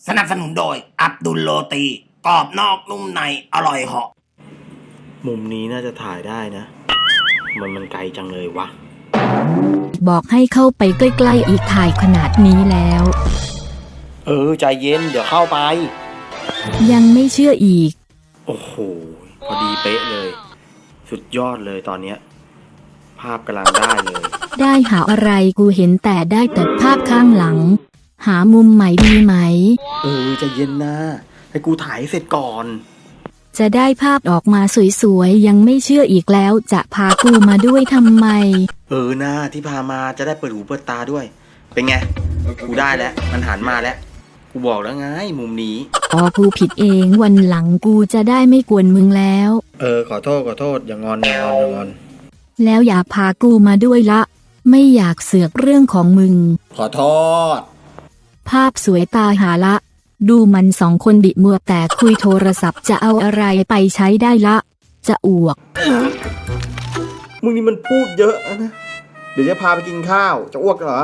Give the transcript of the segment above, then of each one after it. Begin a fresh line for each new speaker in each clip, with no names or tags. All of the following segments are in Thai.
สนับสนุนโดยอับดุลโรตีกรอบนอกนุ่มในอร่อยเหาะ
มุมนี้น่าจะถ่ายได้นะมันไกลจังเลยวะ
บอกให้เข้าไปใกล้ๆอีกถ่ายขนาดนี้แล้ว
ใจเย็นเดี๋ยวเข้าไป
ยังไม่เชื่ออีก
โอ้โหพอดีเป๊ะเลยสุดยอดเลยตอนเนี้ยภาพกำลังได้เลย
ได้หาอะไรกูเห็นแต่ได้แต่ภาพข้างหลังหามุมใหม่ดีไหม
ใจเย็นนะให้กูถ่ายเสร็จก่อน
จะได้ภาพออกมาสวยๆยังไม่เชื่ออีกแล้วจะพากูมาด้วยทำไม
นะที่พามาจะได้เปิดหูเปิดตาด้วยเป็นไงกูได้แล้วมันหันมาแล้วกูบอกแล้วไงมุมนี้
กูผิดเองวันหลังกูจะได้ไม่กวนมึงแล้ว
ขอโทษอย่างอน
แล้วอย่าพากูมาด้วยละไม่อยากเสือกเรื่องของมึง
ขอโทษ
ภาพสวยตาหาละดูมันสองคนบิมัวแต่คุยโทรศัพท์จะเอาอะไรไปใช้ได้ละจะอ้วก
มึงนี่มันพูดเยอะนะเดี๋ยวจะพาไปกินข้าวจะอ้วกเหรอ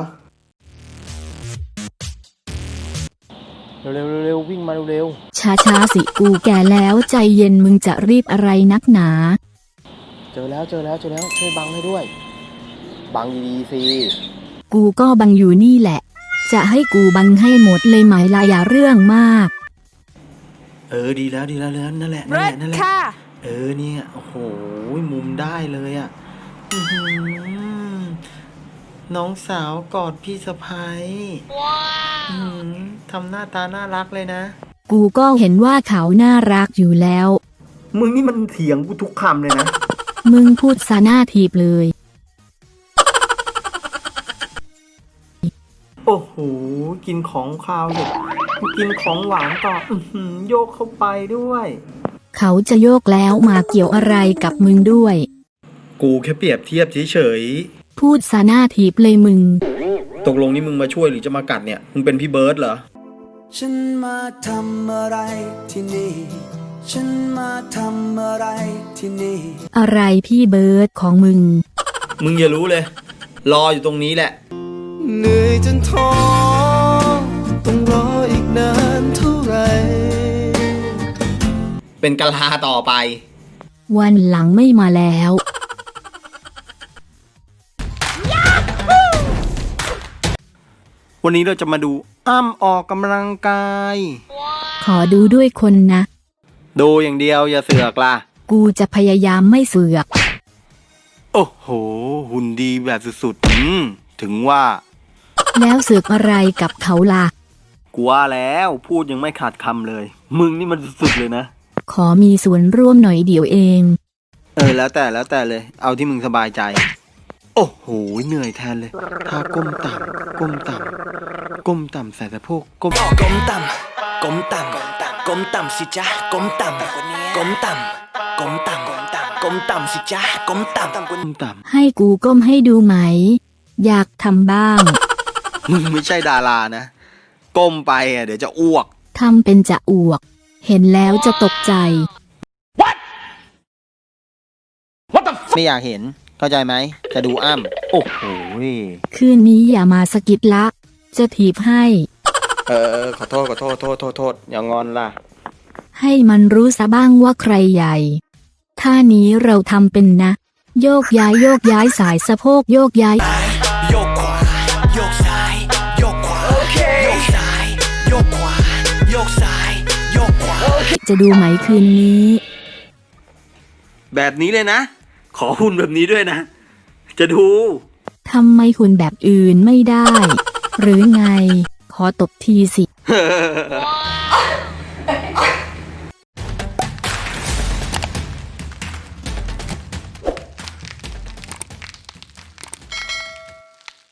เร็ววิ่งมาเร็ว
ช้าสิกูแก่แล้วใจเย็นมึงจะรีบอะไรนักหนา
เจอแล้วช่วยบังให้ด้วยบังดีๆสิ
กูก็บังอยู่นี่แหละจะให้กูบังให้หมดเลยไหมล่ะอย่าเรื่องมาก
ดีแล้วนั่นแหละเนี่ยโอ้โหมุมได้เลยอ่ะน้องสาวกอดพี่สะใภ้ทำหน้าตาน่ารักเลยนะ
กูก็เห็นว่าเขาน่ารักอยู่แล้ว
มึงนี่มันเถียงกูทุกคำเลยนะ
มึงพูดซะหน้าทีบเลย
โอ้โหกินของคาวอยู่กินของหวานต่อโยกเข้าไปด้วย
เขาจะโยกแล้วมาเกี่ยวอะไรกับมึงด้วย
กูแค่เปรียบเทียบเฉย
ๆพูดซะหน้าทีบเลยมึง
ตกลงนี่มึงมาช่วยหรือจะมากัดเนี่ยมึงเป็นพี่เบิร์ดเหรอ
ฉันมาทำอะไรที่นี่ฉันมาทำอะไรที่นี่
อะไรพี่เบิร์ดของมึง
อย่ารู้เลยรออยู่ตรงนี้แหละ
เหนื่อยจนท้อต้องรออีกนานเท่าไหร่
เป็นกะลาต่อไป
วันหลังไม่มาแล้ว
วันนี้เราจะมาดูอ้ำออกกำลังกาย
ขอดูด้วยคนนะ
ดูอย่างเดียวอย่าเสือกล่ะ
กูจะพยายามไม่เสือก
โอ้โหหุ่นดีแบบสุดๆถึงว่า
แล้วเสือกอะไรกับเขาล่ะ
กูว่าแล้วพูดยังไม่ขาดคำเลยมึงนี่มันสุดๆเลยนะ
ขอมีส่วนร่วมหน่อยเดี๋ยวเอง
แล้วแต่เลยเอาที่มึงสบายใจโอ้โหเหนื่อยแทนเลยถ้าก้มต่ำใส่สะโพกก้ม
ต่ำสิจ๊ะก้มต่ำสิจ๊ะก้มต่
ำให้กูก้มให้ดูไหมอยากทำบ้าง
มึงไม่ใช่ดารานะก้มไปเดี๋ยวจะอ้วก
ทำเป็นจะอ้วกเห็นแล้วจะตกใจ
What
ไม่อยากเห็นเข้าใจไหมจะดูอ้ำโอ้โห
คืนนี้อย่ามาสะกิดละจะถีบให้
ขอโทษอย่างอนล่ะ
ให้มันรู้ซะบ้างว่าใครใหญ่ท่านี้เราทำเป็นนะโยกย้ายสายสะโพกโยกย้าย
โยกขวาโยกซ้ายโยกขวาโยกซ้ายโยกขวาโยกซ้ายโยกขวา
จะดูไหมคืนนี้
แบบนี้เลยนะขอหุ่นแบบนี้ด้วยนะจะดู
ทำไมหุ่นแบบอื่นไม่ได้หรือไงขอตบทีสิ